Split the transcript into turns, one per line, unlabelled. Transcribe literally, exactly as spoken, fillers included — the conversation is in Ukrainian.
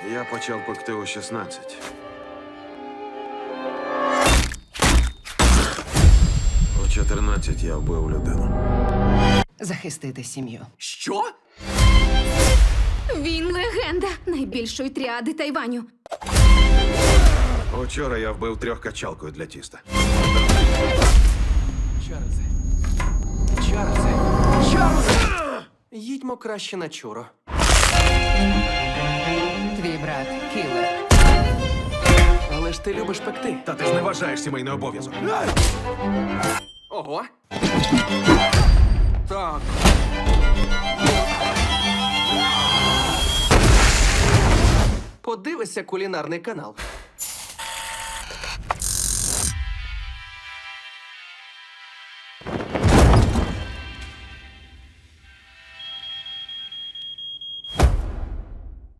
Я почав пекти у шістнадцять. У чотирнадцять я вбив людину.
Захистити сім'ю.
Що?
Він легенда найбільшої тріади Тайваню.
Учора я вбив трьох качалкою для тіста.
Чарльзе. Чарльзе. Чарльзе! Їдьмо краще на чуро.
Твій брат кілер.
Але ж ти любиш пекти.
Та ти ж не вважаєш сімейний обов'язок.
Ого. Так. Подивися кулінарний канал.